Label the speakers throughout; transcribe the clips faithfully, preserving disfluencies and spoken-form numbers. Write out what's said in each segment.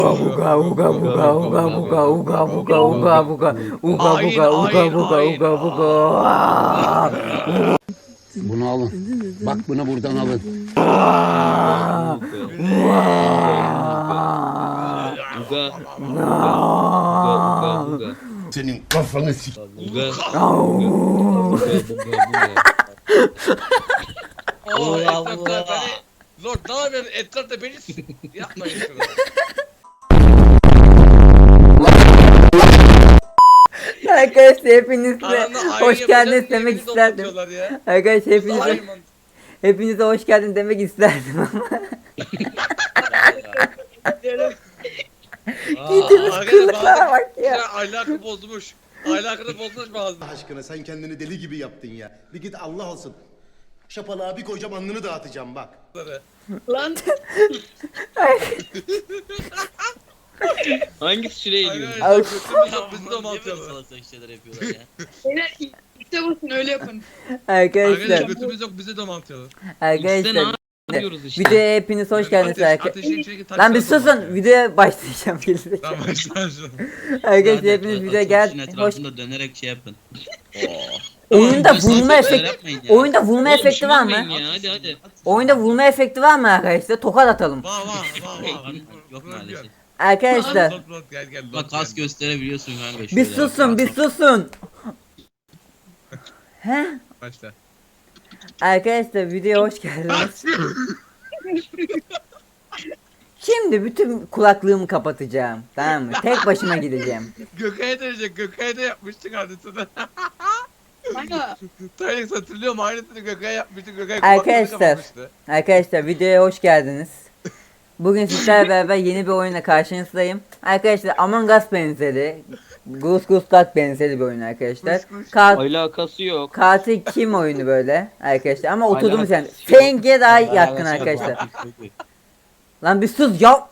Speaker 1: Uga uga uga uga uga uga uga uga uga uga
Speaker 2: Hain,
Speaker 1: uga uga
Speaker 2: hain,
Speaker 1: uga
Speaker 2: hain.
Speaker 1: uga uga.
Speaker 3: Bunu alın. Bak bunu buradan alın.
Speaker 4: Uga. Uga uga uga.
Speaker 3: Senin kafanı sik.
Speaker 4: Uga. Uga uga uga.
Speaker 2: Oo,
Speaker 4: Allah
Speaker 2: etrafta
Speaker 4: Allah.
Speaker 2: beni... Lord ne yapıyorsun? Etrafta beni s- yapmayın şunu.
Speaker 1: Arkadaşlar hepiniz de
Speaker 2: Aranda ayın
Speaker 1: hoş
Speaker 2: yapacağız
Speaker 1: geldiniz
Speaker 2: diye
Speaker 1: demek
Speaker 2: beni
Speaker 1: isterdim.
Speaker 2: doldurtuyorlar ya.
Speaker 1: Arkadaşlar hepinize
Speaker 2: Ayın-
Speaker 1: hepinize hoş geldin demek isterdim ama giydiğimiz
Speaker 2: Arkadaşlar
Speaker 1: kılıklara bak ya.
Speaker 2: Ya ahlakı bozmuş. Ahlakını bozmuş bazı.
Speaker 5: Allah aşkına sen kendini deli gibi yaptın ya. Bir git Allah olsun. Şapalığa bir koyacağım alnını dağıtacağım bak.
Speaker 6: Lan
Speaker 4: Hangisi şuraya gidiyor?
Speaker 2: Arkadaşlar kötü mü yapmış da mantıyalı.
Speaker 4: Salak salak şeyler yapıyorlar ya.
Speaker 6: beyler işte basın öyle yapın.
Speaker 2: Arkadaşlar
Speaker 1: Arkadaşlar
Speaker 2: götümüz yok bize de mantıyalı.
Speaker 4: İşte ne
Speaker 1: arkadaşlar
Speaker 4: yapıyoruz işte.
Speaker 1: videoya hepiniz hoş geldiniz
Speaker 2: Ateş-
Speaker 1: arkadaşlar.
Speaker 2: ateşin içindeki taşlar
Speaker 1: Lan bir
Speaker 2: da
Speaker 1: susun
Speaker 2: mantıyalı.
Speaker 1: videoya başlayacağım gelecek.
Speaker 2: Tamam başla şu.
Speaker 1: Arkadaşlar hepiniz videoya gel
Speaker 4: Ateşin
Speaker 1: hoş.
Speaker 4: etrafında dönerek şey yapın.
Speaker 1: Oyunda
Speaker 4: Tamam,
Speaker 1: vurma
Speaker 4: saçma şeyler
Speaker 1: efekti
Speaker 4: yapmayın ya.
Speaker 1: oyunda vurma
Speaker 4: Oğlum,
Speaker 1: efekti var mı?
Speaker 4: şımarmayın Ya, hadi hadi.
Speaker 1: Oyunda vurma efekti var mı arkadaşlar? Tokat atalım.
Speaker 2: Vah vah vah vah.
Speaker 4: Yok maalesef.
Speaker 1: Arkadaşlar
Speaker 2: Lord Lord gel gel.
Speaker 4: Bak
Speaker 2: Lord,
Speaker 4: kas
Speaker 2: gel.
Speaker 4: gösterebiliyorsun kanka şöyle.
Speaker 1: bir susun bir susun. He?
Speaker 2: Başla.
Speaker 1: Arkadaşlar videoya hoş geldiniz. Şimdi bütün kulaklığımı kapatacağım. Tamam mı? Tek başıma gideceğim.
Speaker 2: Gökay'a dönecek. Gökay'a da yapmıştık aynısını.
Speaker 6: Kanka
Speaker 2: Tayyip hatırlıyor mu? Aynısını Gökay'a yapmıştık. Gökay
Speaker 1: Arkadaşlar.
Speaker 2: kulaklarını kapatmıştı.
Speaker 1: Arkadaşlar videoya hoş geldiniz. Bugün sizlerle beraber yeni bir oyuna karşınızdayım. Arkadaşlar Among Us benzeri, Goose Goose Duck benzeri bir oyun arkadaşlar. Kat
Speaker 4: Alakası yok.
Speaker 1: katil kim oyunu böyle arkadaşlar ama oturduğumuz yani.
Speaker 4: Alakası yok.
Speaker 1: Feng'e daha yakın arkadaşlar. Lan bir sus ya.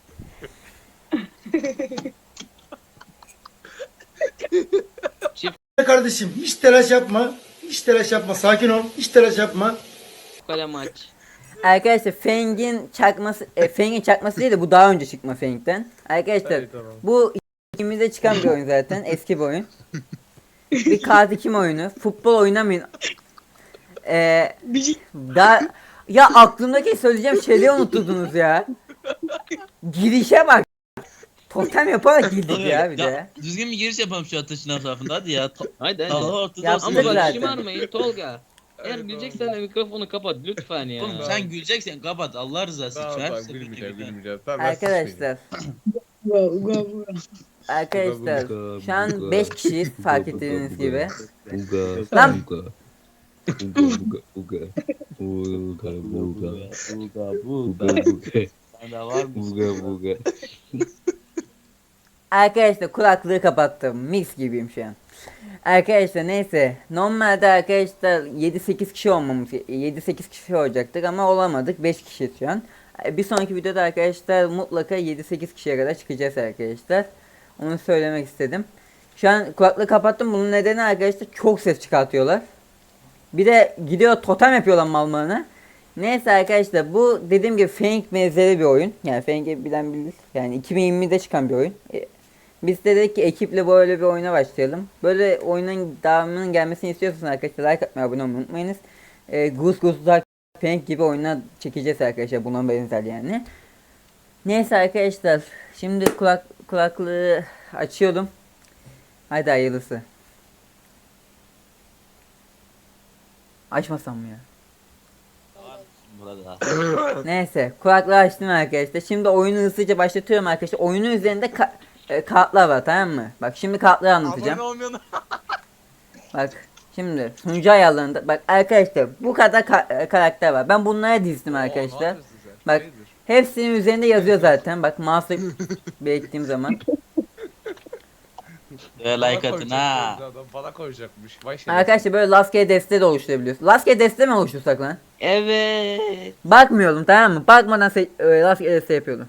Speaker 7: Kardeşim hiç telaş yapma. Hiç telaş yapma. Sakin ol. Hiç telaş yapma.
Speaker 4: Kale maç.
Speaker 1: Arkadaşlar Feng'in çakması, e, Feng'in çakması değil de bu daha önce çıkma Feng'ten. Arkadaşlar
Speaker 2: Evet, tamam.
Speaker 1: bu ikimizde çıkan bir oyun zaten eski bir oyun. Bir katil kim oyunu. Futbol oynamayın. Ee,
Speaker 6: bir şey
Speaker 1: daha ya aklımdaki söyleyeceğim şeyleri unutturdunuz ya. Girişe bak. Totem yaparak girdik ya bir de.
Speaker 4: Düzgün bir giriş yapalım şu ateşin etrafında hadi ya. Hadi hadi. Allah ortada
Speaker 1: Yaptık
Speaker 4: olsun. Ama
Speaker 1: zaten.
Speaker 4: bak şımarmayın Tolga. Eğer
Speaker 2: Evet,
Speaker 4: güleceksen de mikrofonu kapat lütfen ya. Oğlum sen güleceksen kapat Allah rızası için.
Speaker 2: Tamam
Speaker 4: Her
Speaker 2: tamam
Speaker 4: seferinde
Speaker 2: gülmeyeceğim
Speaker 4: bir-
Speaker 2: gülmeyeceğim. Tamam ben
Speaker 1: Arkadaşlar,
Speaker 6: uga uga uga.
Speaker 1: arkadaşlar şu an beş kişiyiz fark ettiğiniz gibi.
Speaker 4: Uga.
Speaker 1: Lan
Speaker 4: Uga. Uga uga uga. Uga uga. Uga uga uga. Sende var mı? Uga uga.
Speaker 1: arkadaşlar kulaklığı kapattım. Mix gibiyim şu an. Arkadaşlar neyse. Normalde arkadaşlar yedi sekiz kişi olmamız yedi sekiz kişi olacaktık ama olamadık. beş kişi şu an. Bir sonraki videoda arkadaşlar mutlaka yedi sekiz kişiye kadar çıkacağız arkadaşlar. Onu söylemek istedim. Şu an kulaklığı kapattım. Bunun nedeni arkadaşlar çok ses çıkartıyorlar. Bir de gidiyor totem yapıyorlar mallarına. Neyse arkadaşlar bu dediğim gibi Fang benzeri bir oyun. Yani Fang'i bilen bilir. Yani iki bin yirmide çıkan bir oyun. E, Biz de dedik ki ekiple böyle bir oyuna başlayalım. Böyle oyunun devamının gelmesini istiyorsanız arkadaşlar like atmayı, abone olmayı unutmayınız. E, Goose Goose Duck, Fang gibi oyunlar çekeceğiz arkadaşlar. Buna benzer yani. Neyse arkadaşlar. Şimdi kulak kulaklığı açıyorum. Haydi hayırlısı. Açmasam mı ya?
Speaker 4: Burada.
Speaker 1: Neyse kulaklığı açtım arkadaşlar. Şimdi oyunu hızlıca başlatıyorum arkadaşlar. Oyunun üzerinde ka- e, kartlar var tamam mı? Bak şimdi kartları anlatacağım.
Speaker 2: Abone olmayan
Speaker 1: Bak şimdi sunucu ayarlarında bak arkadaşlar bu kadar ka- e, karakter var. Ben bunlara dizdim arkadaşlar. Bak hepsinin üzerinde yazıyor zaten. Bak mouse'la belirttiğim zaman.
Speaker 4: Ve like atın ha.
Speaker 2: Adam bana koyacakmış. Vay şerefsiz.
Speaker 1: Arkadaşlar böyle lastgele deste de oluşturabiliyorsun. Lastgele deste mi oluştursak lan?
Speaker 4: Evet.
Speaker 1: Bakmıyordum tamam mı? Bakmadan se- e, lastgele deste yapıyordum.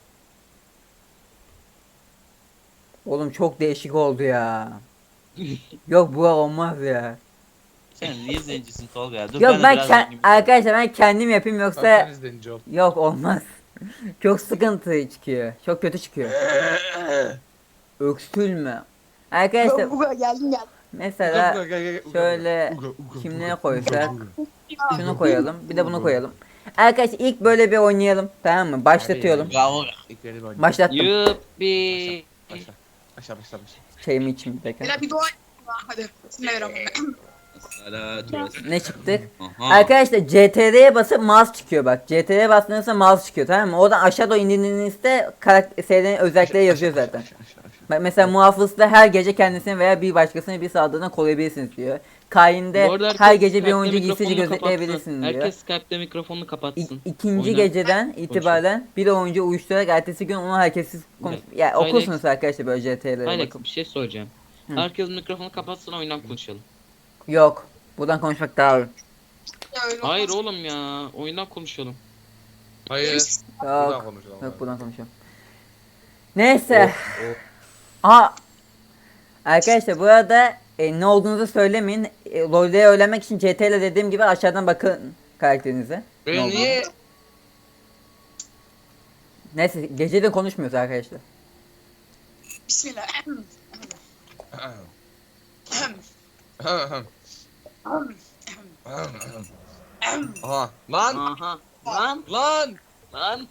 Speaker 1: Oğlum çok değişik oldu ya. Yok bu olmaz ya.
Speaker 4: Sen niye zencisin Tolga ya? Dur
Speaker 1: Yok
Speaker 4: de
Speaker 1: ben
Speaker 4: biraz
Speaker 1: ke-
Speaker 4: zengin-
Speaker 1: arkadaşlar ben kendim yapayım yoksa
Speaker 2: Zaten izleyici ol.
Speaker 1: yok olmaz. Çok sıkıntı çıkıyor. Çok kötü çıkıyor. Öksülme. Arkadaşlar
Speaker 6: Uga geldim geldim.
Speaker 1: mesela
Speaker 2: Gel, gel, gel.
Speaker 1: şöyle
Speaker 2: Uga, uga,
Speaker 1: kimliğe
Speaker 2: uga,
Speaker 1: koysak
Speaker 2: uga,
Speaker 1: şunu koyalım. Bir de bunu koyalım. Arkadaşlar ilk böyle bir oynayalım. Tamam mı? Başlatıyorum.
Speaker 4: Bravo.
Speaker 2: İlk beni bir oynayayım.
Speaker 1: Başlattım.
Speaker 4: Yuppi.
Speaker 2: Başla. Başla başla başla.
Speaker 1: Çayımı içeyim bir dakika.
Speaker 6: Beyler bir dua edin. Hadi. Bismillahirrahmanirrahim.
Speaker 4: Salatu vesselam.
Speaker 1: Ne çıktık?
Speaker 4: Aha.
Speaker 1: Arkadaşlar C T R'ye basıp mouse çıkıyor bak. C T R'ye bastığınızda mouse çıkıyor, tamam mı? Oradan aşağı doğru indiğinizde karakterin özellikleri yazıyor zaten.
Speaker 2: Aşağı, aşağı, aşağı.
Speaker 1: Bak mesela muhafızda her gece kendisini veya bir başkasını bir saldırıdan koruyabilirsiniz diyor. Kain'de
Speaker 8: Bu arada herkes
Speaker 1: her gece bir
Speaker 8: Skype'te
Speaker 1: oyuncu giysici
Speaker 8: mikrofonunu
Speaker 1: gözetleyebilirsin
Speaker 8: kapatsın.
Speaker 1: diyor.
Speaker 8: Herkes Skype'te mikrofonunu
Speaker 1: İ-
Speaker 8: kapatsın.
Speaker 1: ikinci
Speaker 8: Oyna.
Speaker 1: geceden itibaren bir oyuncu uyuşturarak ertesi gün onu herkessiz konuş...
Speaker 8: Evet.
Speaker 1: Ya
Speaker 8: Aynen.
Speaker 1: okursunuz arkadaşlar böyle C T R'ye
Speaker 8: Alex
Speaker 1: bakın.
Speaker 8: bir şey soracağım.
Speaker 1: Hı.
Speaker 8: Herkes mikrofonu kapatsın oyundan konuşalım.
Speaker 1: Yok. Buradan konuşmak daha iyi.
Speaker 6: Ya öyle
Speaker 8: Hayır
Speaker 6: olmaz.
Speaker 8: oğlum ya. Oyundan konuşalım.
Speaker 2: Hayır. Buradan
Speaker 1: Yok.
Speaker 2: konuşalım.
Speaker 1: Yok buradan konuşalım. Neyse. Aha. Arkadaşlar bu arada e, ne olduğunuzu söylemeyin. E, LoL'de öğrenmek için C T L dediğim gibi aşağıdan bakın karakterinize.
Speaker 2: Ben niye?
Speaker 1: Neyse gece de konuşmuyoruz arkadaşlar.
Speaker 6: Bismillah.
Speaker 2: Aha. Lan.
Speaker 8: Aha. Lan
Speaker 2: Lan.
Speaker 8: lan.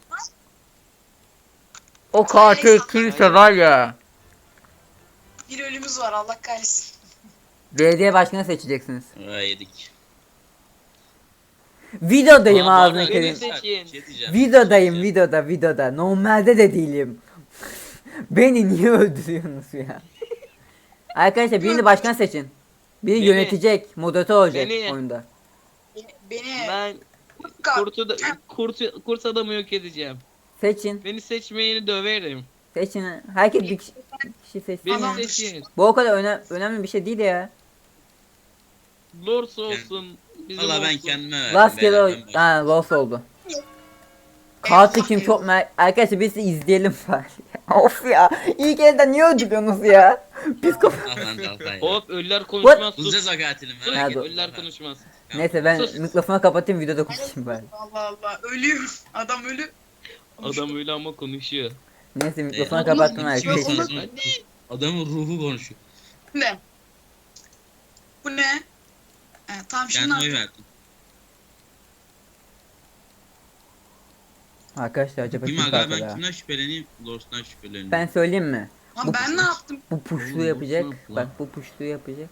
Speaker 1: O katil kimse var ya.
Speaker 6: Bir ölümümüz var Allah kahretsin.
Speaker 1: Belediye başkanı seçeceksiniz.
Speaker 4: Aa, yedik.
Speaker 1: Videodayım
Speaker 4: Aa,
Speaker 1: ağzını
Speaker 4: bana
Speaker 1: kırayım.
Speaker 8: göre-
Speaker 4: Bir şey diyeceğim.
Speaker 1: Videodayım videoda videoda. Normalde de değilim. Beni niye öldürüyorsunuz ya? Arkadaşlar birini başkan seçin. Biri
Speaker 8: Beni.
Speaker 1: yönetecek, moderatör olacak
Speaker 8: Beni.
Speaker 1: oyunda.
Speaker 6: Beni, beni
Speaker 8: Ben
Speaker 6: Ka-
Speaker 8: kurtu da, kurt, kurt adamı yok edeceğim.
Speaker 1: Seçin,
Speaker 8: Beni seçmeyeni döverim.
Speaker 1: seçin. Herkes bir kişi, bir kişi seçsin.
Speaker 8: Beni
Speaker 1: ya.
Speaker 6: Tamam.
Speaker 8: seçin.
Speaker 1: Bu o kadar öne- önemli bir şey değil ya.
Speaker 8: Lors olsun. Bizim
Speaker 4: Valla ben
Speaker 8: olsun.
Speaker 4: kendime verdim.
Speaker 1: Rastgele
Speaker 4: beyler,
Speaker 1: o...
Speaker 4: ben başlayayım.
Speaker 1: Ha loss oldu. Katil kim çok merak... Arkadaşlar biz de izleyelim bari. Of ya. İlk elden niye öldürüyorsunuz ya? Psikopat.
Speaker 4: Ah lan Dalkay.
Speaker 8: Hop ölüler konuşmaz sus.
Speaker 4: Bulacağız o katilimi.
Speaker 8: Sus.
Speaker 4: merak etme.
Speaker 8: Ölüler konuşmaz.
Speaker 1: Neyse ben
Speaker 8: Sus.
Speaker 1: mikrofonu kapatayım videoda konuşayım bari.
Speaker 6: Allah Allah ölüyor. Adam ölü.
Speaker 8: Adam öyle ama konuşuyor.
Speaker 1: Neyse mikrofonu
Speaker 4: Ee,
Speaker 1: kapattım
Speaker 4: Kim
Speaker 1: arkadaşlar.
Speaker 4: konuşuyor? Adamın ruhu konuşuyor.
Speaker 6: Ne? Bu ne? He, tamam şimdi
Speaker 4: Kendime oy
Speaker 6: artık.
Speaker 4: verdim.
Speaker 1: Arkadaşlar acaba
Speaker 4: Kim
Speaker 1: kim
Speaker 4: aga
Speaker 1: katil
Speaker 4: ben
Speaker 1: ha?
Speaker 4: kimden şüpheleneyim? Lors'tan şüpheleneyim.
Speaker 1: Ben söyleyeyim mi?
Speaker 6: Lan
Speaker 1: Bu-
Speaker 6: ben ne yaptım?
Speaker 1: Bu puşlu
Speaker 8: Oğlum,
Speaker 1: yapacak.
Speaker 8: nasıl lan?
Speaker 1: Bak bu puşlu yapacak.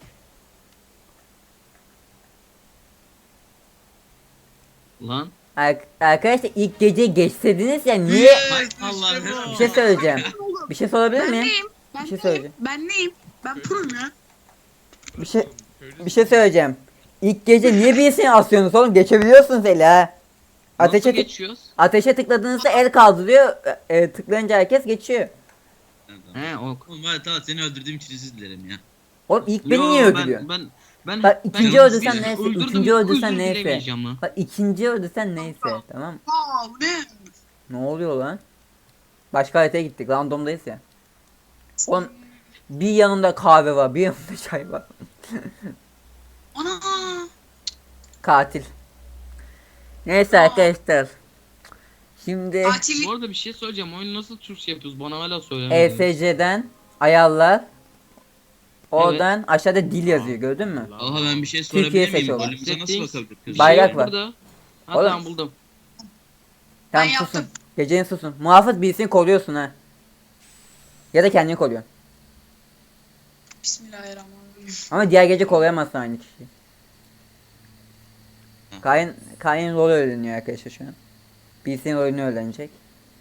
Speaker 8: Lan.
Speaker 1: Ar- arkadaşlar ilk gece geçsediniz ya niye?
Speaker 4: Hay Allah'ım.
Speaker 1: Bir şey söyleyeceğim. Bir şey sorabilir
Speaker 6: Ben
Speaker 1: miyim?
Speaker 6: neyim? Ben
Speaker 1: Bir şey
Speaker 6: neyim?
Speaker 1: söyleyeceğim.
Speaker 6: Ben neyim? Ben pro'yum ya.
Speaker 1: Bir şey bir şey söyleyeceğim. İlk gece niye birisini asıyorsunuz oğlum? Geçebiliyorsunuz eli ha. Ateşe
Speaker 8: Nasıl
Speaker 1: tık-
Speaker 8: geçiyoruz?
Speaker 1: ateşe tıkladığınızda el kaldırıyor. E, e, tıklayınca herkes geçiyor.
Speaker 8: He ok.
Speaker 4: Oğlum var tamam seni öldürdüğüm için özür dilerim ya.
Speaker 1: Oğlum ilk beni
Speaker 8: Yo,
Speaker 1: niye
Speaker 8: ben-
Speaker 1: öldürüyorsun?
Speaker 8: Ben ben
Speaker 1: Bak,
Speaker 8: ben
Speaker 1: ikinci
Speaker 8: birini
Speaker 1: öldürsen neyse,
Speaker 8: öldürdüm,
Speaker 1: ikinci öldürsen
Speaker 8: özür
Speaker 1: neyse.
Speaker 8: dilemeyeceğim lan.
Speaker 1: Bak ikinci öldürsen neyse tamam.
Speaker 6: Aa bu ne?
Speaker 1: Ne oluyor lan? Başka haritaya gittik. Randomdayız ya. Oğlum bir yanımda kahve var, bir yanımda çay var.
Speaker 6: Ana.
Speaker 1: Katil. Neyse arkadaşlar. Şimdi
Speaker 6: Katil.
Speaker 8: Bu arada bir şey söyleyeceğim. Oyunu nasıl Türkçe yapıyoruz? Bana hala
Speaker 1: E
Speaker 8: söylemediniz.
Speaker 1: S C'den ayarlar. Oradan aşağıda dil yazıyor gördün mü?
Speaker 4: Aha ben bir şey
Speaker 1: Türkiye
Speaker 4: sorabilir miyim?
Speaker 1: seçiyorlar.
Speaker 4: Rolümüze nasıl
Speaker 8: Settings.
Speaker 4: bakabilir kız?
Speaker 8: Bir
Speaker 1: Bayrak
Speaker 8: şey
Speaker 1: var.
Speaker 8: burada. Ha
Speaker 1: Oğlum.
Speaker 8: tamam buldum.
Speaker 1: Tamam
Speaker 6: Ben
Speaker 1: susun.
Speaker 6: yaptım.
Speaker 1: Gecenin susun. Muhafız birisini koruyorsun ha. Ya da kendini koruyorsun.
Speaker 6: Bismillahirrahmanirrahim.
Speaker 1: Ama diğer gece koruyamazsın aynı kişiyi. Kain, Kain rol öğreniyor arkadaşlar şu an. Birisinin rolünü öğrenecek.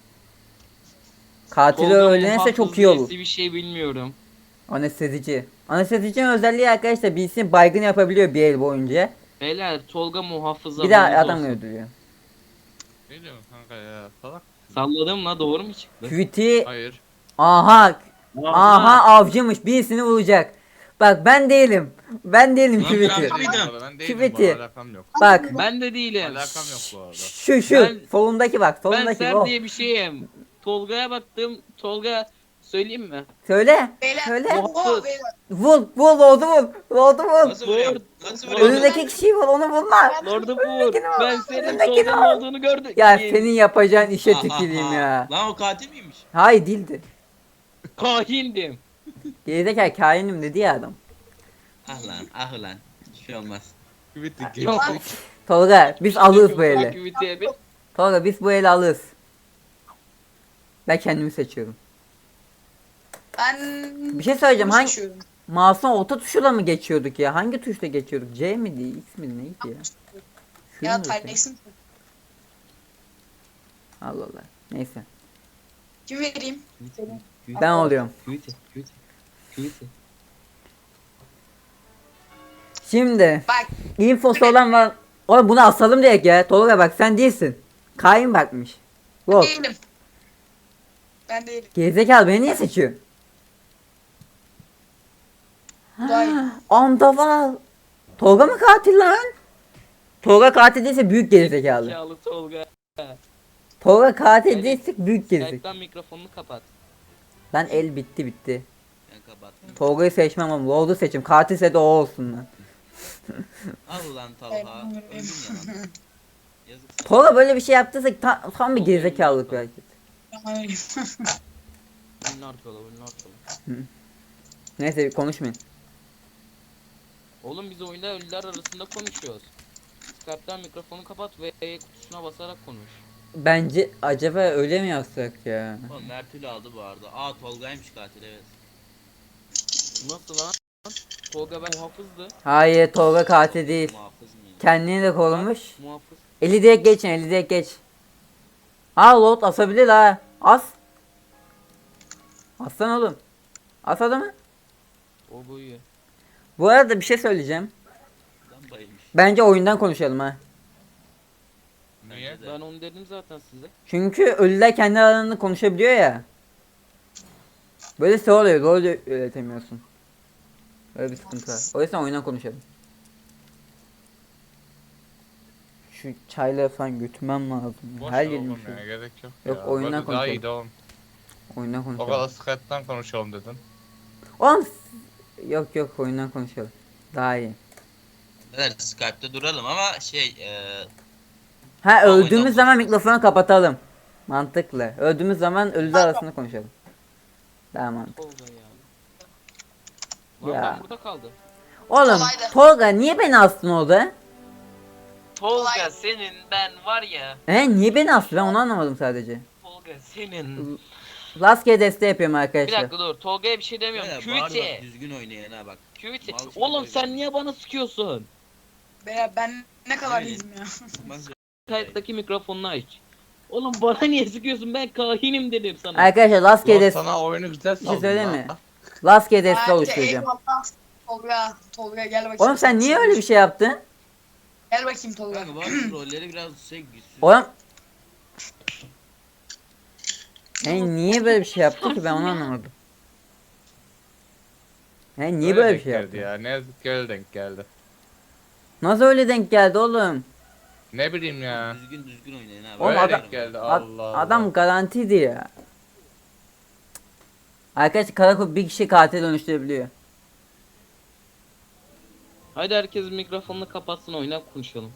Speaker 1: Katili
Speaker 8: Tolga
Speaker 1: öğrenirse
Speaker 8: muhafız
Speaker 1: çok iyi olur.
Speaker 8: birisi bir şey bilmiyorum.
Speaker 1: Anestezici. Anestezicinin özelliği arkadaşlar birisini baygın yapabiliyor bir el boyunca.
Speaker 8: Beyler Tolga muhafıza.
Speaker 1: Bir de
Speaker 8: haberiniz
Speaker 1: adam
Speaker 8: olsun.
Speaker 1: öldürüyor.
Speaker 2: Ne diyorsun kanka ya? Salak.
Speaker 8: Salladım la doğru mu çıktı?
Speaker 1: Tweet'i
Speaker 2: Hayır.
Speaker 1: aha aha avcıymış birisini vuracak. Bak ben değilim. Ben değilim
Speaker 4: Lan
Speaker 1: Tweet'i.
Speaker 4: ben-
Speaker 2: Ben
Speaker 4: Mıydı?
Speaker 2: değilim bu arada, Ben değilim
Speaker 1: Küveti.
Speaker 2: bu alakam yok.
Speaker 1: Bak
Speaker 8: Ben de değilim.
Speaker 2: Alakam yok bu arada.
Speaker 1: şu şu
Speaker 8: Ben-
Speaker 1: solundaki bak
Speaker 8: Ben
Speaker 1: solundaki
Speaker 8: Ser
Speaker 1: o.
Speaker 8: diye bir şeyim. Tolga'ya baktım. Tolga Söyleyeyim mi?
Speaker 1: Söyle.
Speaker 6: Beyler.
Speaker 1: Söyle.
Speaker 6: Oha beyler.
Speaker 1: Vur. Vur. Lord'u vur. Lord'u vur.
Speaker 2: Nasıl vuruyorum? Nasıl vuruyorum?
Speaker 1: Önündeki kişiyi vur. Onu vurma.
Speaker 8: Lord'u vur.
Speaker 1: Öndekini al.
Speaker 8: Ben senin
Speaker 1: Öndekini
Speaker 8: Tolga'nın
Speaker 1: al.
Speaker 8: olduğunu gördüm.
Speaker 1: Ya senin yapacağın işe
Speaker 2: Ha, ha,
Speaker 1: tüküreyim
Speaker 2: ha.
Speaker 1: ya.
Speaker 2: Lan o katil miymiş?
Speaker 1: Hayır değildi.
Speaker 8: Kahindim.
Speaker 1: Gerizekalı kainim dedi ya adam.
Speaker 2: Ah lan ah lan. Hiçbir şey olmaz.
Speaker 1: Tolga biz alırız bu eli.
Speaker 8: Aktiviteye bir.
Speaker 1: Tolga biz bu eli alırız. Ben kendimi seçiyorum.
Speaker 6: Ben
Speaker 1: Bir şey söyleyeceğim.
Speaker 6: bunu
Speaker 1: Hangi
Speaker 6: seçiyorum.
Speaker 1: mouse'un orta tuşuyla mı geçiyorduk ya? Hangi tuşla geçiyorduk? C mi değil? X mi neydi ya? Şu
Speaker 6: Ya
Speaker 1: mu?
Speaker 6: Tynex'in
Speaker 1: Allah Allah. Neyse.
Speaker 6: kim vereyim?
Speaker 1: Ben oluyorum.
Speaker 8: Küvite. Küvite. Küvite.
Speaker 1: Şimdi
Speaker 6: Bak
Speaker 1: infosu olan var. Oğlum bunu asalım direkt ya. Tolga bak sen değilsin. Kain bakmış. Yok.
Speaker 6: değilim. Ben değilim.
Speaker 1: Gerizekalı beni niye seçiyor?
Speaker 6: Daha iyi.
Speaker 1: Andaval. Tolga mı katil lan? Tolga katil değilse büyük gerizekalı.
Speaker 8: Zekalı Tolga.
Speaker 1: Tolga katil
Speaker 8: Evet.
Speaker 1: değilse büyük gerizekalı.
Speaker 8: Ekran mikrofonunu kapat.
Speaker 1: Ben el bitti bitti.
Speaker 2: Ben kapattım.
Speaker 1: Tolga'yı seçmem ama Lord'u seçim. Katilse de o olsun lan.
Speaker 2: Al lan Talha. Öldün ya lan. Yazık sana.
Speaker 1: Tolga böyle bir şey yaptıysa ta- tam bir gerizekalılık bir hareket.
Speaker 6: Hayır.
Speaker 8: Bunlar kola, bunlar kola.
Speaker 1: Neyse konuşmayın.
Speaker 8: Oğlum biz oyunda ölüler arasında konuşuyoruz. Skype'tan mikrofonu kapat ve E kutusuna basarak konuş.
Speaker 1: Bence acaba öyle mi yapsak ya?
Speaker 2: Oğlum Mertül'ü aldı bu arada. Aa Tolga'ymış katil evet.
Speaker 8: Nasıl lan? Tolga ben muhafızdı.
Speaker 1: Hayır Tolga katil değil.
Speaker 2: Muhafız mı?
Speaker 1: Kendini de korumuş.
Speaker 8: Muhafız.
Speaker 1: Eli direkt geçin, eli direkt geç. Ha Lord asabilir ha. As. Aslan oğlum. As adamı.
Speaker 8: O boyu.
Speaker 1: Bu arada bir şey söyleyeceğim.
Speaker 2: Lan bayılmış.
Speaker 1: Bence oyundan konuşalım ha.
Speaker 2: Niye?
Speaker 8: Ben onu dedim zaten size.
Speaker 1: Çünkü ölüler kendi aralarında konuşabiliyor ya. Böyle şey oluyor, rol üretemiyorsun. Öyle bir sıkıntı var. O yüzden oyundan konuşalım. Şu çayları falan götürmem lazım. ya.
Speaker 9: Boş
Speaker 1: Her
Speaker 9: ver
Speaker 1: yerim
Speaker 9: oğlum
Speaker 1: şu.
Speaker 9: ya, gerek yok.
Speaker 1: Yok,
Speaker 9: ya.
Speaker 1: oyundan
Speaker 9: Böyle daha
Speaker 1: konuşalım.
Speaker 9: iyi de oğlum.
Speaker 1: Oyundan
Speaker 9: O
Speaker 1: konuşalım.
Speaker 9: kadar Skype'tan konuşalım dedin.
Speaker 1: Oğlum s- yok yok oyundan konuşalım. Daha iyi.
Speaker 2: Evet Skype'da duralım ama şey eee
Speaker 1: Ha
Speaker 2: Aa,
Speaker 1: öldüğümüz
Speaker 2: oyundan
Speaker 1: zaman mikrofonu kapatalım. Mantıklı. Öldüğümüz zaman ölüler arasında konuşalım. Daha mantıklı.
Speaker 8: Tolga ya. Lan
Speaker 1: Ya.
Speaker 8: ben burada kaldı.
Speaker 1: Oğlum
Speaker 6: Kolaydı.
Speaker 1: Tolga niye beni astın orada?
Speaker 8: Tolga senin ben var ya.
Speaker 1: He niye beni astı ben onu anlamadım sadece.
Speaker 8: Tolga senin.
Speaker 1: Rastgele deste yapıyorum
Speaker 8: Bir
Speaker 1: arkadaşlar.
Speaker 8: dakika dur. Tolga'ya bir şey demiyorum.
Speaker 2: böyle bağır bak
Speaker 8: Küvite.
Speaker 2: düzgün oynayın ha bak.
Speaker 8: Küvite.
Speaker 2: Mal gibi
Speaker 8: Oğlum
Speaker 2: oynuyor.
Speaker 8: sen niye bana sıkıyorsun?
Speaker 6: Beyler ben ne kadar
Speaker 2: Evet.
Speaker 6: iyiyim ya.
Speaker 2: Olmaz ya.
Speaker 8: Kayıttaki mikrofonunu aç. Oğlum bana niye sıkıyorsun? Ben kahinim dedim sana.
Speaker 1: Arkadaşlar rastgele
Speaker 9: Ulan
Speaker 1: deste
Speaker 9: sana oyunu güzel
Speaker 1: bir şey
Speaker 9: saldım
Speaker 1: söyleyeyim
Speaker 9: lan.
Speaker 1: mi? Rastgele deste
Speaker 6: Hadi,
Speaker 1: oluşturacağım.
Speaker 6: eyvallah. Tolga, Tolga gel bakayım.
Speaker 1: Oğlum sen niye öyle bir şey yaptın?
Speaker 6: Gel bakayım Tolga.
Speaker 2: Kanka bazı rolleri biraz şey güçsüz.
Speaker 1: Oğlum He niye böyle bir şey yaptı ki ben onu anlamadım. He niye
Speaker 9: Öyle
Speaker 1: böyle bir
Speaker 9: denk
Speaker 1: şey
Speaker 9: geldi
Speaker 1: yaptı?
Speaker 9: ya. Ne yazık ki öyle denk geldi.
Speaker 1: Nasıl öyle denk geldi oğlum?
Speaker 9: Ne bileyim ya.
Speaker 2: Düzgün düzgün oynayın ha.
Speaker 1: Oğlum
Speaker 9: Öyle
Speaker 1: adam-
Speaker 9: denk geldi.
Speaker 1: Ad-
Speaker 9: Allah Allah.
Speaker 1: adam garantiydi ya. Arkadaşlar karakol bir kişi katil dönüştürebiliyor.
Speaker 8: Hadi herkes mikrofonunu kapatsın oynayıp konuşalım.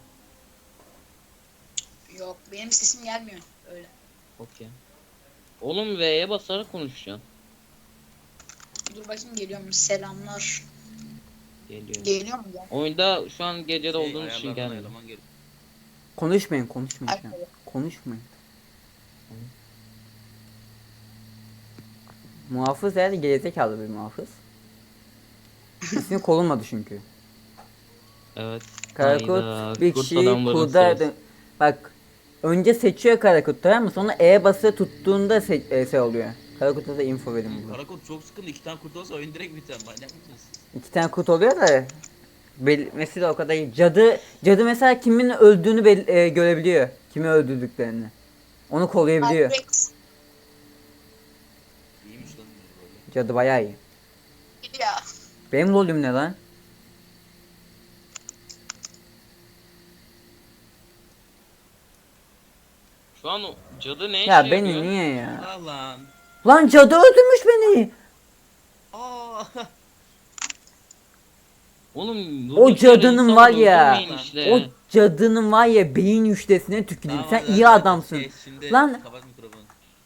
Speaker 6: Yok benim sesim gelmiyor. Öyle.
Speaker 8: Okey. Oğlum V'ye basarak konuşacaksın.
Speaker 6: Dur bakayım geliyor mu? Selamlar.
Speaker 8: Geliyor.
Speaker 6: Geliyor mu ya?
Speaker 8: Oyunda şu an gecede
Speaker 2: Şey,
Speaker 8: olduğumuz için
Speaker 2: ayarlardan
Speaker 8: gelmiyor.
Speaker 2: ayarlaman gerek.
Speaker 1: Konuşmayın konuşmayın. şu an.
Speaker 6: Arkadaşlar.
Speaker 1: Konuşmayın. Muhafız yani gerizekalı bir muhafız. İsmi korunmadı çünkü.
Speaker 8: Evet.
Speaker 1: Karakut
Speaker 8: Hayda,
Speaker 1: bir
Speaker 8: kurt
Speaker 1: kişiyi
Speaker 8: adamların
Speaker 1: kurda...
Speaker 8: sırası.
Speaker 1: Bak önce seçiyor Karakut tamam mı? Sonra E basılı tuttuğunda se e, şey oluyor. Karakut'a da info verin burada.
Speaker 2: Karakurt çok sıkıntı. İki tane kurt olsa oyun direkt biter. Manyak mısınız?
Speaker 1: İki tane kurt oluyor da belirtmesi de o kadar iyi. Cadı, cadı mesela kimin öldüğünü bel- e, görebiliyor. Kimi öldürdüklerini. Onu koruyabiliyor.
Speaker 6: Alex.
Speaker 2: İyiymiş lan böyle.
Speaker 1: Cadı bayağı iyi.
Speaker 6: Ya.
Speaker 1: Benim rolüm ne lan?
Speaker 8: Şu an o cadı ne
Speaker 1: Ya
Speaker 8: işe
Speaker 1: beni
Speaker 8: yarıyor?
Speaker 1: niye ya?
Speaker 2: Allah lan.
Speaker 1: Lan cadı öldürmüş beni.
Speaker 2: Aa.
Speaker 8: Oğlum
Speaker 1: O
Speaker 8: durduk yere
Speaker 1: cadının
Speaker 8: insanı
Speaker 1: var ya.
Speaker 8: öldürmeyin işte.
Speaker 1: O cadının var ya beyin üçtesine tüküreyim.
Speaker 2: Tamam,
Speaker 1: Sen
Speaker 2: hadi,
Speaker 1: iyi
Speaker 2: hadi,
Speaker 1: adamsın.
Speaker 2: şey, şimdi
Speaker 1: Lan-
Speaker 2: kapat mikrofonu.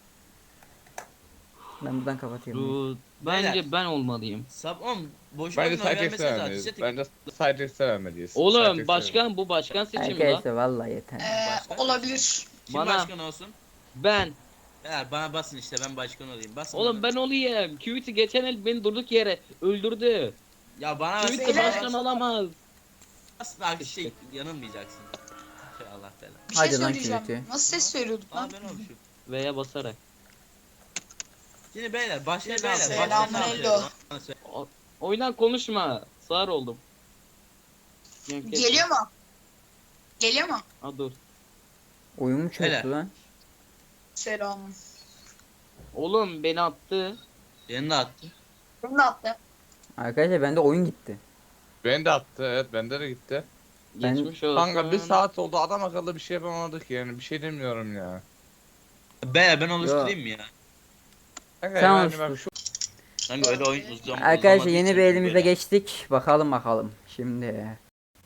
Speaker 1: Ben buradan kapatayım.
Speaker 8: Dur, Bence
Speaker 2: Beyler.
Speaker 8: ben olmalıyım.
Speaker 2: Sab on boş
Speaker 9: Bence
Speaker 2: oyun
Speaker 9: Cytex'e
Speaker 2: vermeseniz
Speaker 9: vermeliyiz.
Speaker 2: artık.
Speaker 9: Bence Cytex'e vermeliyiz.
Speaker 8: Oğlum
Speaker 9: Cytex'e
Speaker 8: başkan bu başkan seçimi la.
Speaker 1: Arkadaşlar vallahi yeter.
Speaker 6: Ee,
Speaker 2: Başkan-
Speaker 6: olabilir.
Speaker 2: Kim
Speaker 8: Bana-
Speaker 2: başkan olsun?
Speaker 8: Ben.
Speaker 2: Beyler bana basın işte ben başkan olayım. Basın
Speaker 8: Oğlum
Speaker 2: bana.
Speaker 8: ben olayım. Qt geçen el beni durduk yere öldürdü.
Speaker 2: Ya bana basın.
Speaker 8: Qt başkan olamaz.
Speaker 2: Bas bak şey yanılmayacaksın. Şey Allah belanı.
Speaker 6: Bir şey
Speaker 1: Hadi lan
Speaker 6: söyleyeceğim.
Speaker 1: Kürtü.
Speaker 6: Nasıl ses söylüyorduk
Speaker 2: Aa
Speaker 6: lan?
Speaker 2: ben olmuşum.
Speaker 8: Veya basarak.
Speaker 2: Şimdi beyler başlayın beyler.
Speaker 6: Selamun
Speaker 2: başlayın, ne
Speaker 6: aleyküm.
Speaker 2: yapıyoruz? Bana söyle.
Speaker 8: Oynan konuşma. Sağır oldum.
Speaker 6: Geliyor mu? Geliyor mu?
Speaker 8: Ha dur.
Speaker 1: Oyun mu
Speaker 2: Helal.
Speaker 1: çöktü lan?
Speaker 6: Selam.
Speaker 8: Oğlum beni attı.
Speaker 2: Beni de attı.
Speaker 6: Bunu da attı.
Speaker 1: Arkadaşlar bende oyun gitti.
Speaker 9: Beni de attı, evet bende de gitti.
Speaker 1: Ben-
Speaker 8: Geçmiş olsun.
Speaker 9: Kanka bir saat oldu, adam akıllı bir şey yapamadık yani, bir şey demiyorum ya.
Speaker 2: Beyler ben oluşturayım mı ya?
Speaker 9: Kanka
Speaker 1: Sen
Speaker 9: yani
Speaker 1: oluştur.
Speaker 9: bak şu
Speaker 2: Kanka öyle oyun uzam
Speaker 1: Arkadaşlar
Speaker 2: uzamadığı
Speaker 1: yeni
Speaker 2: için
Speaker 1: bir elimize
Speaker 2: böyle.
Speaker 1: geçtik. Bakalım bakalım. Şimdi.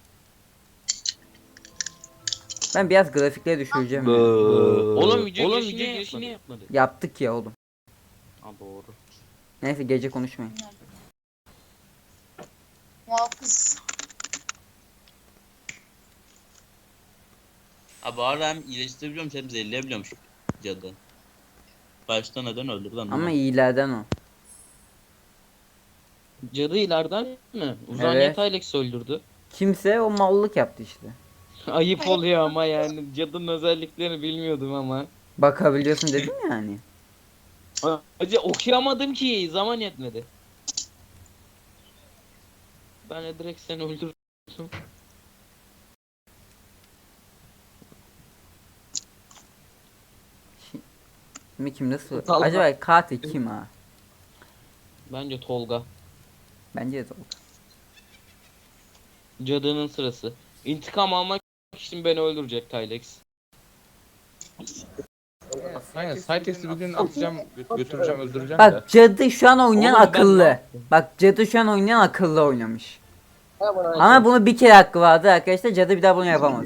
Speaker 1: Ben biraz grafikleri düşüreceğim. ya.
Speaker 8: Oğlum video
Speaker 6: Oğlum,
Speaker 8: girişini
Speaker 6: video
Speaker 8: girişini yapmadı.
Speaker 1: Yaptık ya oğlum.
Speaker 8: Ha doğru.
Speaker 1: Neyse gece konuşmayın.
Speaker 6: Muhafız.
Speaker 2: Abi bu arada hem iyileştirebiliyormuş hem zehirleyebiliyormuş cadı. Başta neden öldürdü lan?
Speaker 1: Ama iyilerden o.
Speaker 8: Cadı ileriden mi? Uzan
Speaker 1: Evet.
Speaker 8: Alex öldürdü.
Speaker 1: Kimse o mallık yaptı işte.
Speaker 8: Ayıp oluyor ama yani cadının özelliklerini bilmiyordum ama.
Speaker 1: Bakabiliyorsun dedim yani.
Speaker 8: Acı okuyamadım ki zaman yetmedi. Ben de direkt seni öldürdüm.
Speaker 1: Şimdi kim nasıl?
Speaker 8: Talha.
Speaker 1: Acaba katil kim ha?
Speaker 8: Bence Tolga.
Speaker 1: Bence de o.
Speaker 8: Cadının sırası. İntikam almak için beni öldürecek Tylex.
Speaker 9: aynen Cytex'i bir gün atacağım, gö- götüreceğim, öldüreceğim de.
Speaker 1: Bak cadı şu an oynayan
Speaker 8: Oğlum ben ne
Speaker 1: akıllı.
Speaker 8: yaptım?
Speaker 1: Bak cadı şu an oynayan akıllı oynamış. Ama bunu bir kere hakkı vardı arkadaşlar. Cadı bir daha bunu yapamaz.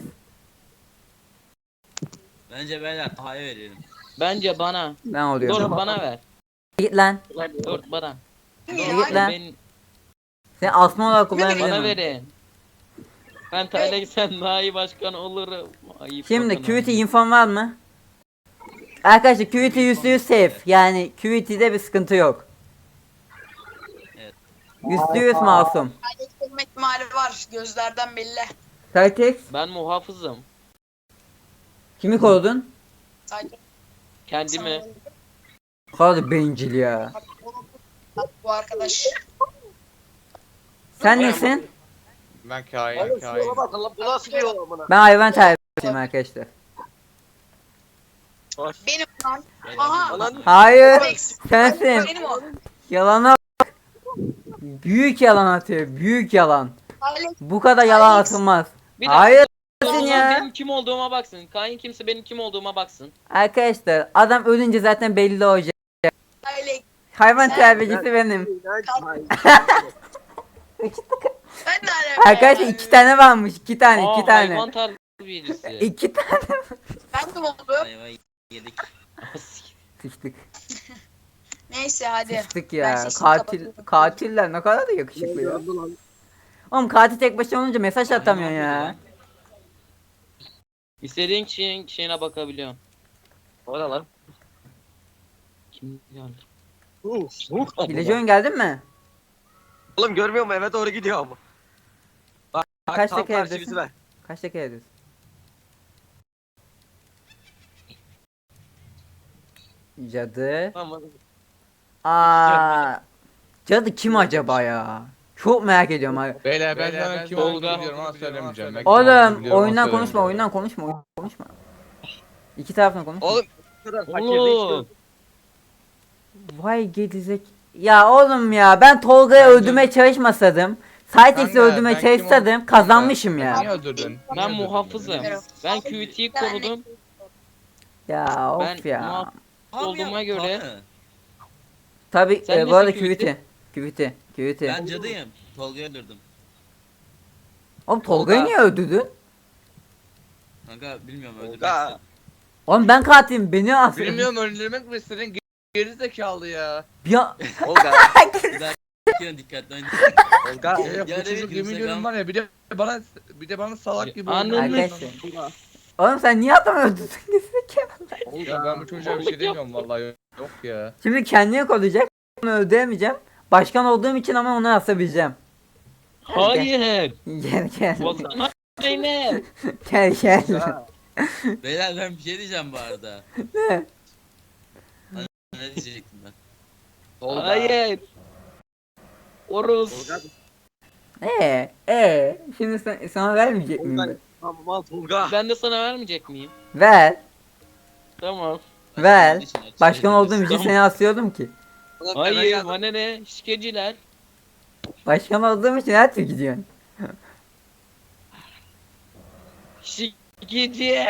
Speaker 2: Bence beyler Taha'ya verelim.
Speaker 8: Bence bana.
Speaker 1: Ben oluyorum.
Speaker 8: Dur bana ver.
Speaker 1: Git lan.
Speaker 8: Dur bana.
Speaker 1: Git lan.
Speaker 8: Ben,
Speaker 1: Sen asma olarak
Speaker 8: bana
Speaker 1: kullanabilirim.
Speaker 8: verin. Ben Tylex'ten daha iyi başkan olurum. Ayıp
Speaker 1: Şimdi
Speaker 8: bakın
Speaker 1: Qt infom var mı? Arkadaşlar Qt yüzde yüz safe. Yani Qt'de bir sıkıntı yok.
Speaker 2: Evet.
Speaker 1: yüzde yüz masum.
Speaker 6: Kaybetme ihtimali var. Gözlerden belli.
Speaker 1: Cytex
Speaker 8: Ben muhafızım.
Speaker 1: kimi korudun?
Speaker 6: Sadece
Speaker 8: Kendimi.
Speaker 1: Bu kadar bencil ya.
Speaker 6: bu arkadaş.
Speaker 1: Sen nesin?
Speaker 9: Ben kain, kain.
Speaker 1: Ben hayvan terbiyesiyim arkadaşlar.
Speaker 6: Benim lan.
Speaker 2: Beyler,
Speaker 6: Aha.
Speaker 1: Hayır.
Speaker 6: Alex.
Speaker 1: Sensin.
Speaker 6: Benim o.
Speaker 1: Yalana bak. Büyük yalan atıyor. Büyük yalan.
Speaker 6: Alex.
Speaker 1: Bu kadar yalan
Speaker 6: Alex.
Speaker 1: atılmaz.
Speaker 8: Bir dakika.
Speaker 1: Hayır.
Speaker 8: O zaman
Speaker 1: ya.
Speaker 8: benim kim olduğuma baksın. Kain kimse benim kim olduğuma baksın.
Speaker 1: Arkadaşlar adam ölünce zaten belli olacak.
Speaker 6: Alex.
Speaker 1: Hayvan
Speaker 6: Sen-
Speaker 1: terbiyecisi benim.
Speaker 6: Ben de alaka
Speaker 1: Arkadaşlar
Speaker 6: ya.
Speaker 1: iki tane varmış. iki tane,
Speaker 8: Aa,
Speaker 1: iki tane.
Speaker 8: hayvan terbiyecisi.
Speaker 1: İki tane.
Speaker 6: Ben de oldum.
Speaker 2: Ayvayı yedik.
Speaker 1: Sıçtık.
Speaker 6: Neyse hadi.
Speaker 1: Sıçtık
Speaker 6: Ben
Speaker 1: ya.
Speaker 6: sesimi
Speaker 1: Katil,
Speaker 6: kapatıyorum.
Speaker 1: katiller ne kadar da yakışıklı ya. Oğlum katil tek başına olunca mesaj atamıyor ya.
Speaker 8: İstediğin kişinin kişine bakabiliyorsun.
Speaker 4: O ne lan?
Speaker 8: Kim geldi?
Speaker 1: Hileci oyun geldin mi?
Speaker 4: Oğlum görmüyor musun? Eve doğru gidiyor ama. Bak, bak
Speaker 1: Kaç
Speaker 4: tam
Speaker 1: dakika
Speaker 4: karşı
Speaker 1: evdesin?
Speaker 4: bizi ver.
Speaker 1: Kaç dakika ediyorsun? Cadı.
Speaker 4: Tamam.
Speaker 1: Aa. Cadı kim acaba ya? Çok merak ediyorum abi.
Speaker 9: Beyler ben sana kim olduğunu
Speaker 8: Tolga.
Speaker 9: biliyorum ama söylemeyeceğim. Ben kim olduğunu
Speaker 1: Oğlum
Speaker 9: biliyorum ama
Speaker 1: oyundan konuşma,
Speaker 9: söylemeyeceğim.
Speaker 1: oyundan konuşma, oyundan konuşma. İki taraftan konuş.
Speaker 4: Oğlum bu kadar fakirde
Speaker 8: Oğlum.
Speaker 1: Vay gedizek. Ya oğlum ya ben Tolga'yı
Speaker 9: Bence-
Speaker 1: öldürmeye çalışmasaydım. Cytex'i
Speaker 9: Kanka,
Speaker 1: öldürmeye
Speaker 9: ben kim
Speaker 1: çalışsaydım
Speaker 9: ol-
Speaker 1: kazanmışım
Speaker 9: Niye
Speaker 1: ya.
Speaker 9: öldürdün? Niye
Speaker 8: Ben
Speaker 9: öldürdün
Speaker 8: muhafızım.
Speaker 9: beni?
Speaker 8: Ben Qt'yi korudum.
Speaker 1: Ya of
Speaker 8: Ben
Speaker 1: ya.
Speaker 8: muhaf-
Speaker 2: Abi
Speaker 8: Olduğuma
Speaker 2: ya,
Speaker 8: göre-
Speaker 2: Taha'nı.
Speaker 1: Tabi
Speaker 8: Sen
Speaker 1: e, bu arada
Speaker 8: nesin Küviti?
Speaker 1: küviti. Küviti. Küviti.
Speaker 2: Ben cadıyım. Tolga'yı öldürdüm.
Speaker 1: Oğlum Tolga'yı
Speaker 8: Tolga.
Speaker 1: niye öldürdün?
Speaker 2: Kanka bilmiyorum öldürmek
Speaker 9: Tolga.
Speaker 2: istedim.
Speaker 1: Oğlum ben katilim, beni as.
Speaker 9: Bilmiyorum öldürmek mi istedin? Ge- Geri zekalı ya.
Speaker 1: Ya
Speaker 4: Tolga.
Speaker 2: Bir daha s**kine dikkatli oynayın.
Speaker 4: Tolga.
Speaker 9: Ya,
Speaker 2: Ya
Speaker 9: bu
Speaker 2: evet,
Speaker 9: çocuk yemin
Speaker 2: Instagram-
Speaker 9: ediyorum var ya bir de bana bir de bana salak gibi
Speaker 8: Anladın
Speaker 9: oynuyor.
Speaker 8: mı?
Speaker 1: arkadaşlar. Oğlum sen niye adamı öldürdün? Gerizekalı.
Speaker 9: Ya ben bu çocuğa bir şey demiyorum vallahi yok ya.
Speaker 1: Şimdi kendini yok olacak. Onu öldüremeyeceğim. Başkan olduğum için ama onu asabileceğim.
Speaker 8: Hayır.
Speaker 1: Gel gel.
Speaker 8: Volkan Zeynep.
Speaker 1: Gel gel.
Speaker 2: Beyler ben bir şey diyeceğim bu arada.
Speaker 1: Ne?
Speaker 2: Ne diyecektim ben?
Speaker 4: Tolga.
Speaker 8: Hayır. Oruz.
Speaker 4: Tolga.
Speaker 1: Ee, ee, şimdi sen, sana vermeyecek miyim
Speaker 4: Tolga.
Speaker 1: ben?
Speaker 4: Tamam al Tolga.
Speaker 8: Ben de sana vermeyecek miyim?
Speaker 1: Ver,
Speaker 8: Tamam.
Speaker 1: ver.
Speaker 2: Için açık
Speaker 1: Başkan
Speaker 2: söyleyeyim.
Speaker 1: olduğum için
Speaker 8: Tamam.
Speaker 1: seni asıyordum ki.
Speaker 8: Hayır bana ne? Şikeciler.
Speaker 1: Başkan olduğum için her türlü gidiyorsun.
Speaker 8: Şikeci.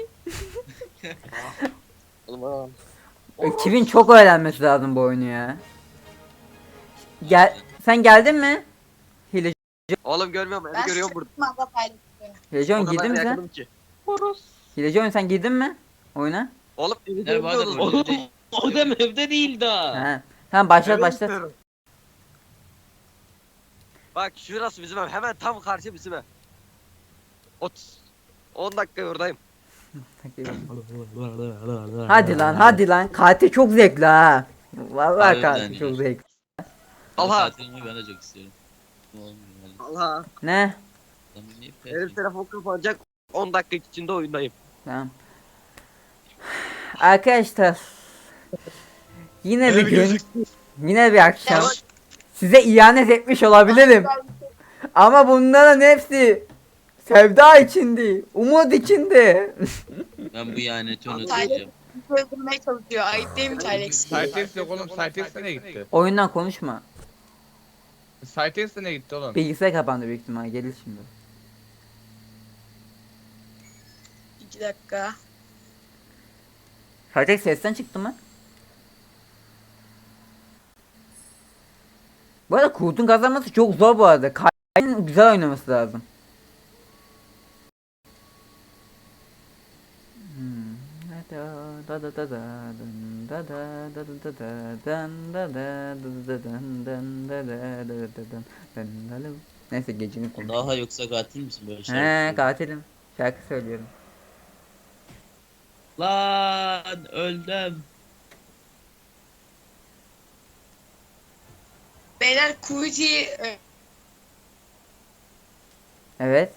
Speaker 4: Oğlum,
Speaker 1: Kimin çok öğrenmesi lazım bu oyunu ya. Gel, sen geldin mi? Hile,
Speaker 4: Oğlum görmüyorum beni
Speaker 6: Ben
Speaker 4: görüyorum burada.
Speaker 6: sırtımda paylaşıyorum.
Speaker 1: Hileci
Speaker 4: O
Speaker 1: oyun
Speaker 4: kadar
Speaker 1: girdin mi sen?
Speaker 4: yakınım ki.
Speaker 8: Oruz.
Speaker 1: Hileci oyun sen girdin mi? Oyuna?
Speaker 4: Oğlum beni
Speaker 2: Ne bu arada
Speaker 4: görmüyorsunuz.
Speaker 2: rolleri değil.
Speaker 8: O da evde değil daha.
Speaker 1: He. Tamam başlat
Speaker 4: Evet,
Speaker 1: başlat.
Speaker 4: diyorum. Bak şurası bizim ev. Hemen tam karşı bizim ev. otuz. on dakika oradayım.
Speaker 1: Hadi lan hadi lan. Katil çok zevkli ha. Vallahi
Speaker 2: Harbiden
Speaker 1: katil
Speaker 2: ya.
Speaker 1: çok zevkli.
Speaker 4: Allah.
Speaker 2: Tatilimi ben de çok istiyorum. Olmuyor yani.
Speaker 4: Allah.
Speaker 1: Ne?
Speaker 2: Lan niye
Speaker 4: Benim telefon kapanacak. on dakika içinde oyundayım.
Speaker 1: Tamam. Arkadaşlar. Yine bir gün. Yine bir akşam.
Speaker 6: Evet.
Speaker 1: Size ihanet etmiş olabilirim. Ama bunların hepsi sevda içindi. Umut içindi.
Speaker 2: Ben bu ihaneti
Speaker 6: Vallahi-
Speaker 2: unutmayacağım.
Speaker 6: Öldürmeye çalışıyor. Ayıp değil mi Tylex?
Speaker 9: Cytex yok oğlum. Cytex nereye gitti?
Speaker 1: Oyundan konuşma.
Speaker 9: Cytex nereye gitti oğlum?
Speaker 1: Bilgisayar kapandı büyük ihtimal. Gelir şimdi.
Speaker 6: İki dakika.
Speaker 1: Kartek sesten çıktı mı? Bu arada Kurt'un kazanması çok zor bu arada. Kayın güzel oynaması lazım. Hmm. Da da da da dın da da da da da da dın da da da da dın dın da da da da dın dın da da. Neyse gecenin konu.
Speaker 2: Daha yoksa katil misin böyle
Speaker 1: He
Speaker 2: şarkı?
Speaker 1: katilim. Şarkı söylüyorum.
Speaker 2: Lan öldüm.
Speaker 6: Beyler Kuyucu'yu
Speaker 1: Evet.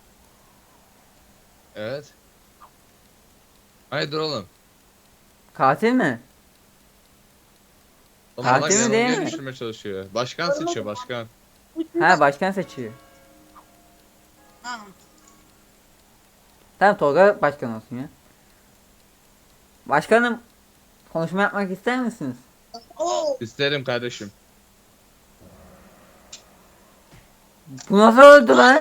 Speaker 9: Evet. Hayırdır oğlum?
Speaker 1: Katil mi?
Speaker 9: Oğlum
Speaker 1: Katil
Speaker 9: bak
Speaker 1: mi
Speaker 9: yanıma
Speaker 1: değil mi?
Speaker 9: geliştirmeye çalışıyor. Başkan seçiyor başkan.
Speaker 1: Ha başkan seçiyor.
Speaker 6: Ha.
Speaker 1: Tamam Tolga başkan olsun ya. Başkanım konuşma yapmak ister misiniz?
Speaker 6: Oo.
Speaker 9: İsterim kardeşim.
Speaker 1: Bu nasıl oldu lan?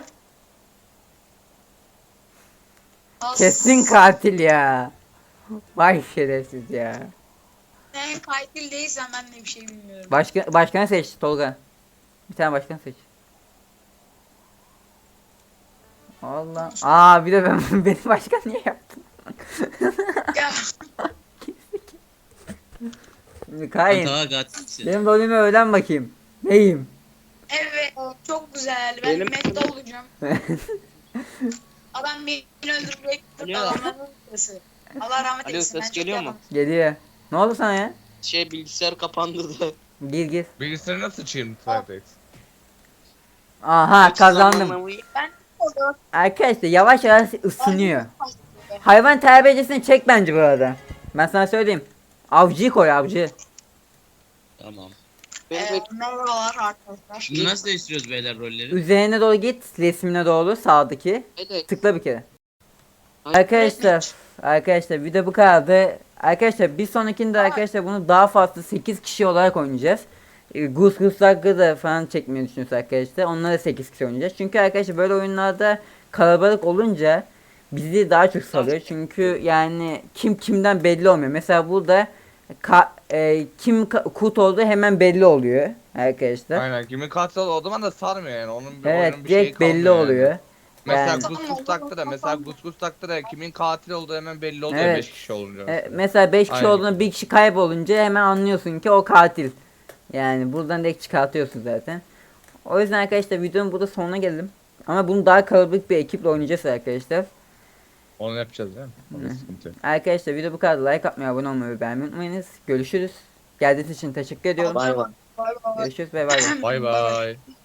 Speaker 6: as-
Speaker 1: Kesin katil ya. Vay şerefsiz ya.
Speaker 6: Sen katil değilsen ben de bir şey bilmiyorum.
Speaker 1: Başka başkanı seç Tolga. Bir tane başkan seç. Allah. Aa bir de ben benim başkan niye yaptın?
Speaker 6: Ya,
Speaker 1: Şimdi
Speaker 2: Ben
Speaker 1: Kain.
Speaker 2: daha katilsin.
Speaker 1: Benim rolümü öğren bakayım. Neyim?
Speaker 6: evet çok güzel. Ben
Speaker 4: Benim-
Speaker 6: mette olacağım. Adam beni öldürecek.
Speaker 8: Alo.
Speaker 6: Adamların sesi. Allah rahmet
Speaker 8: Alo,
Speaker 6: eylesin.
Speaker 8: ses
Speaker 6: ben çok
Speaker 8: geliyor mu?
Speaker 6: yalan-
Speaker 1: Geliyor. Ne oldu sana ya?
Speaker 8: Şey bilgisayar kapandı da.
Speaker 1: Gir gir.
Speaker 9: Bilgisayarı nasıl sıçayım Cytex?
Speaker 1: Aha kazandım.
Speaker 6: Ben oldu.
Speaker 1: Arkadaşlar yavaş yavaş ısınıyor. Hayvan terbiyecisini çek bence bu arada. Ben sana söyleyeyim. Avcıyı koy avcı.
Speaker 2: Tamam.
Speaker 8: Benim
Speaker 6: Ee, merhabalar arkadaşlar.
Speaker 2: Şimdi nasıl değiştiriyoruz beyler rolleri?
Speaker 1: Üzerine doğru git. Resmine doğru sağdaki.
Speaker 8: evet.
Speaker 1: Tıkla bir kere. Arkadaşlar. Arkadaşlar video bu kadardı. Arkadaşlar bir sonrakinde arkadaşlar bunu daha fazla sekiz kişi olarak oynayacağız. E, Goose Goose Duck'ı da falan çekmeyi düşünüyoruz arkadaşlar. Onları da sekiz kişi oynayacağız. Çünkü arkadaşlar böyle oyunlarda kalabalık olunca bizi daha çok sarıyor. Çünkü yani kim kimden belli olmuyor. Mesela burada Ka- e, kim ka- kurt olduğu hemen belli oluyor arkadaşlar.
Speaker 9: Aynen kimin katil olduğu o zaman da sarmıyor yani. Onun bir
Speaker 1: Evet
Speaker 9: oyunun bir şeyi
Speaker 1: direkt belli
Speaker 9: kalmıyor yani.
Speaker 1: oluyor.
Speaker 9: Mesela
Speaker 1: Yani-
Speaker 9: Gus Gus taktı da mesela Gus Gus taktı da kimin katil olduğu hemen belli oluyor
Speaker 1: Evet.
Speaker 9: beş kişi olunca.
Speaker 1: E,
Speaker 9: mesela.
Speaker 1: mesela beş kişi
Speaker 9: Aynen.
Speaker 1: olduğunda bir kişi kaybolunca hemen anlıyorsun ki o katil. Yani buradan direkt çıkartıyorsun zaten. O yüzden arkadaşlar videonun burada sonuna geldim. Ama bunu daha kalabalık bir ekiple oynayacağız arkadaşlar.
Speaker 9: Onu yapacağız değil mi? Onda sıkıntı yok.
Speaker 1: Arkadaşlar video bu kadar. Like atmayı, abone olmayı ve beğenmeyi unutmayınız. Görüşürüz. Geldiğiniz için teşekkür ediyorum.
Speaker 6: Bay bay.
Speaker 1: Görüşürüz ve bay bay.
Speaker 9: Bay bay.